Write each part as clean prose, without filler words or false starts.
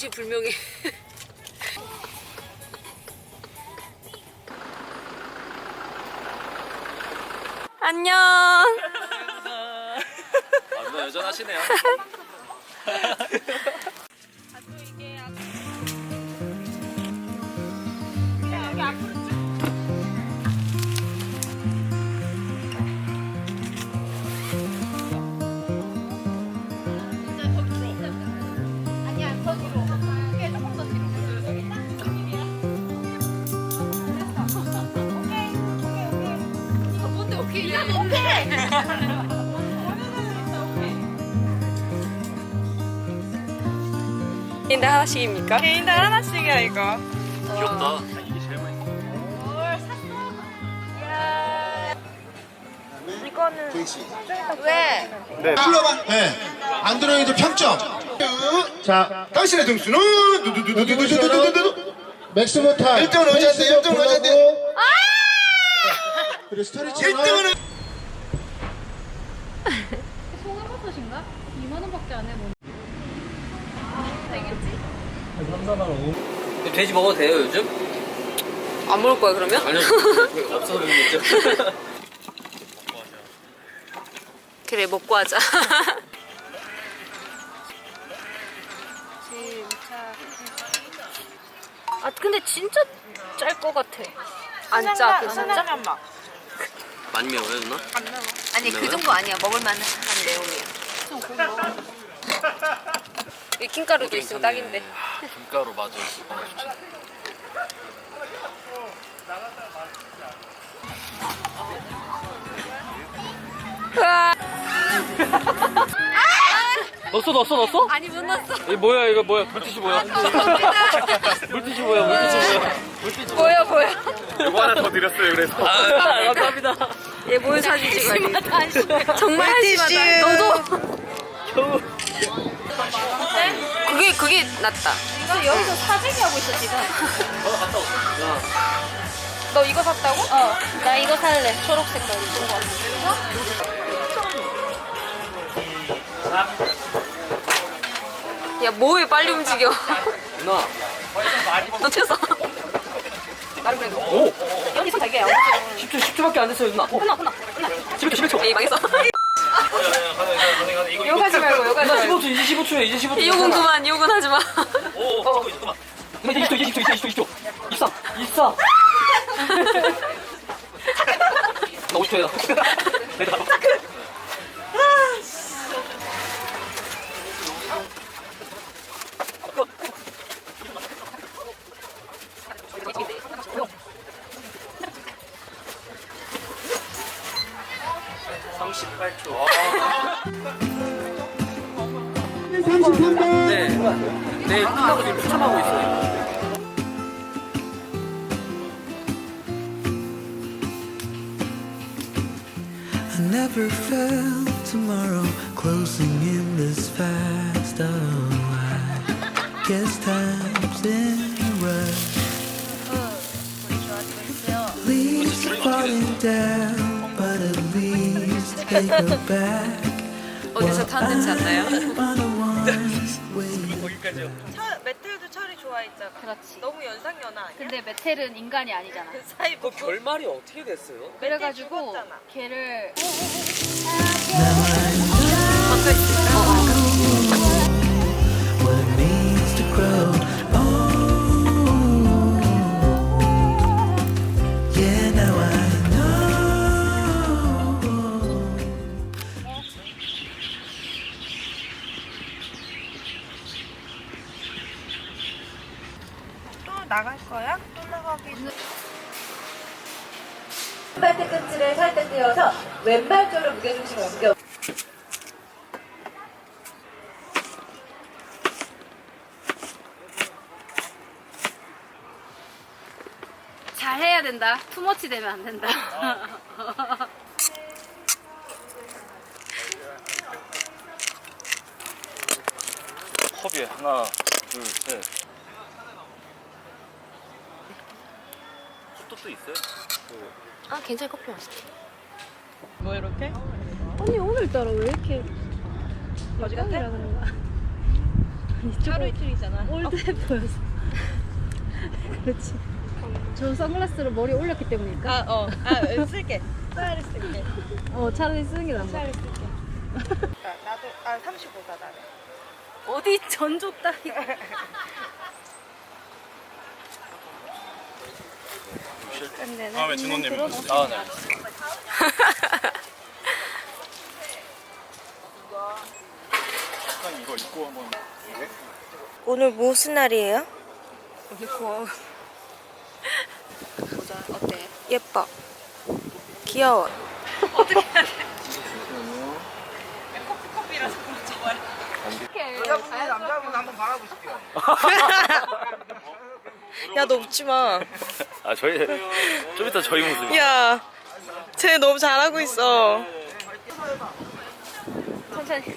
정체불명의 안녕. 아, 누나 여전하시네요. 여기 앞으로 쭉. 아니야, 더 뒤로. 이게 조금 더 뒤로. 이거 뭔데 오케이야? 오케이. 개인당 하나씩입니까? 개인당 하나씩이야 이거. 귀엽다. 이게 제일 맛있어. 뭘 샀어? 이거는 조익씨. 왜? 네. 불러봐. 네. 안드로이드 평점. 자, 당신의 등수는 두두두두두두두두두. 맥스모 타임. 1등은 어제인데 1등은 어제인데. 그리고 스토리치 1등은 송화버섯인가? 2만 원밖에 안 해. 뭐. 돼지 먹어도 돼요 요즘? 안 먹을 거야 그러면? 아니요. 없어서 못 먹죠. 그래 먹고 하자. 아 근데 진짜 짤 것 같아. 안 짜, 그 진짜? 많이 매워요 누나? 아니 그 정도 아니야. 먹을만한 내용이야. 킹가루도 있으면 딱인데. 김가루 맞아. 으아. 넣었어? 아니 못 넣었어. 이 뭐야 이거 뭐야? 물티슈 뭐야? 물티슈 뭐야? 보여. 이거 하나 더 드렸어요 그래서. 감사합니다. 얘 뭘 사주지 말고. 정말 한심하다. 너도. 그게 낫다. 이거 여기서 사재기 하고 있어 지금. 갔다 왔어. 너 이거 샀다고? 나 이거 살래. 초록 색깔 이쁜 거 같아. 야 뭐해 빨리 움직여. 누나. 너 튀었어. 오. 여기서 되게 10초밖에 안 됐어요 누나. 끝나. 11초. 에이 망했어. 욕하지 말고 욕하지 누나 말고. 15초 이제 15초에 이제 15초. 욕은 그만 욕은 하지 마. 오 잠깐만. 누나 이제 20초. 24. 나 50초야. 내가. 네. 네, 끝나고 지금 추첨하고 있어요. I never felt tomorrow closing in this fast. Oh, I guess time's in a rush. Leaves are falling down, but at least they go back. 어디서 탄 냄새 안 나요? On a one-way. 메텔도 철이 좋아했잖아. 그렇지. 너무 연상연하 아니야? 근데 메텔은 인간이 아니잖아. 그 사이 그 결말이 어떻게 됐어요? 그래가지고 죽었잖아. 걔를 What it means to grow. Oh, yeah, now I know. 또 나갈 거야? 또 나가기. 왼발 뒤꿈치를 살짝 띄워서 왼발 쪽으로 무게중심을 옮겨. 잘 해야 된다. 투머치 되면 안 된다. 컵에 하나, 둘, 셋. 컵도 또 있어요? 아 괜찮아 커피 맛있지. 뭐 이렇게? 아니 오늘따라 왜 이렇게 거지 같아? 그러는 거야? 하루 이틀이잖아. 올드해 보여서. 그렇지. 저 선글라스를 머리에 올렸기 때문일까? 쓸게. 차라리 쓸게. 차라리 쓰는 게 나은 것 같아. 나도 35다 나는. 어디 전족 따위. 다음에 진호님. 아, 네. 이거 입고 한번. 오늘 무슨 날이에요? 보자. 어때? 예뻐. 귀여워. 야, 너 웃지 마. 아 저희 좀 이따 저희 모습. 야, 쟤 너무 잘하고 있어. 천천히.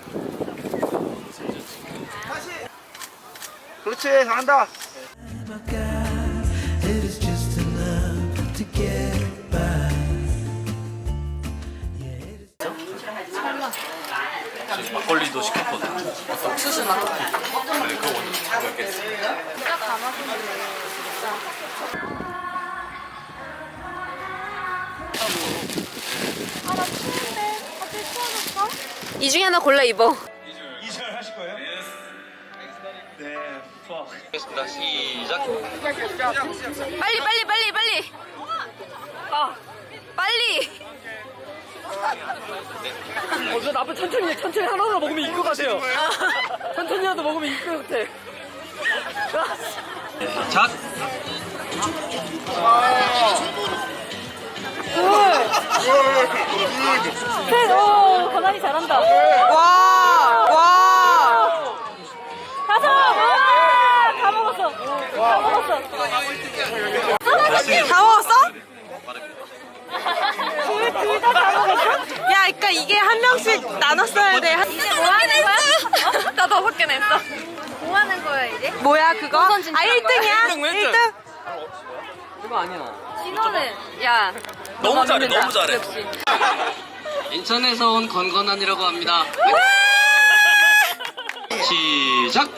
그렇지, 잘한다. My God, it is just enough to get by. 지금 막걸리도 시켰거든. 수수 맛. 근데 그거 먼저 먹겠어. 딱 감아주네. 이 중에 하나 골라 입어. 이절 하실 거예요? 네. 알겠습니다. 시작. 빨리. 빨리. 저 나쁜 천천히 하나하나 먹으면 이끌 것 같아요. 천천히라도 먹으면 이끌 것 같아. 작. 권한이 잘한다. 와! 가서! 다 먹었어. 다 먹었어. 다 먹었어? 둘 다 먹었어? 야, 그러니까 이게 한 명씩 나눴어야 돼. 이제 뭐 하는 거야? 나 5개 냈어. 뭐 하는 거야 이제? 뭐야, 그거? 아, 1등이야? 1등? 그거 아니야. 진호는 야 너무 잘해. 너무 잘해. 역시. 인천에서 온 건건한이라고 합니다. 시작!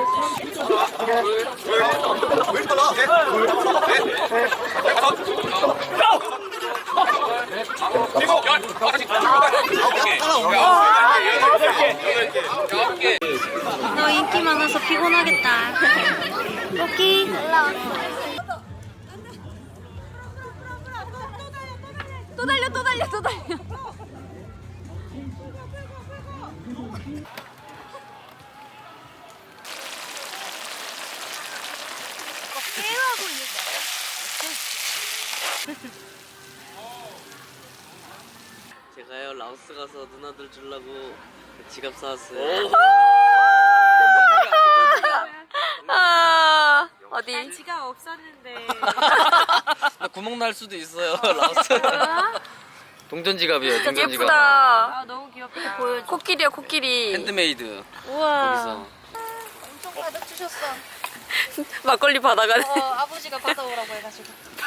너 인기 많아서 피곤하겠다. 토끼. 또 달려. 제가요 라오스 가서 누나들 주려고 지갑 사왔어요. 아 어디? 지갑 없었는데. 나 구멍 날 수도 있어요 라오스. 동전 지갑이에요. 동전 지갑. 예쁘다. 너무 귀엽다. 코끼리야 코끼리. 핸드메이드. 우와. 거기서. 엄청 가득 주셨어. 막걸리 받아가네. 아버지가 받아오라고 해가지고.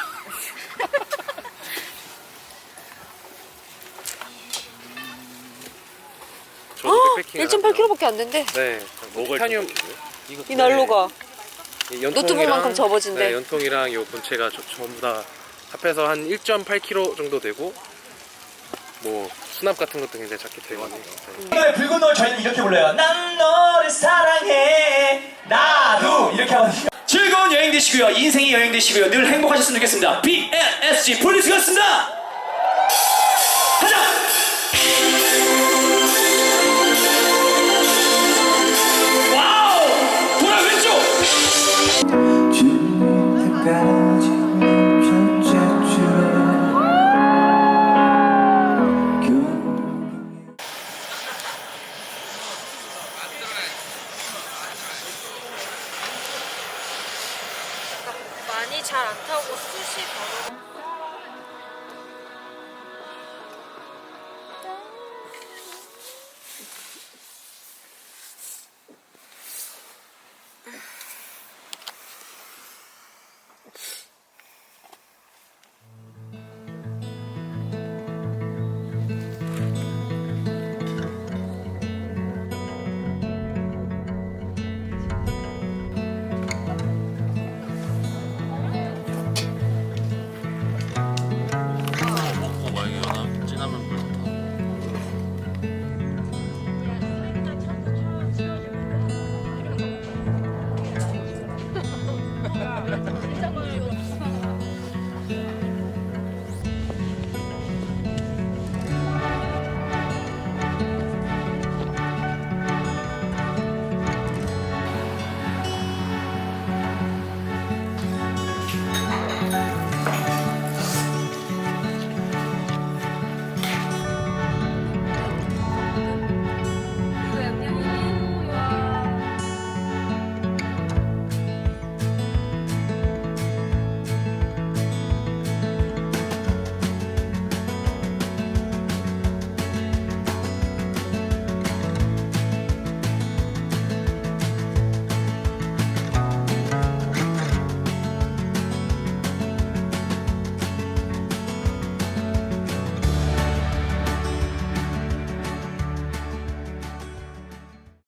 저도 백패킹. 1.8kg밖에 안 된대. 네. 먹을 타늄. 이 난로가 연통이랑, 노트북만큼 접어진대. 네, 연통이랑 요 본체가 전부 다 합해서 한 1.8kg 정도 되고 뭐 수납 같은 것도 굉장히 작게 되거든요. 노래 붉은 노을 저희는 이렇게 불러요. 난 너를 사랑해 나도 이렇게 하거든요. 즐거운 여행 되시고요. 인생의 여행 되시고요. 늘 행복하셨으면 좋겠습니다. BNSG 프로듀스였습니다.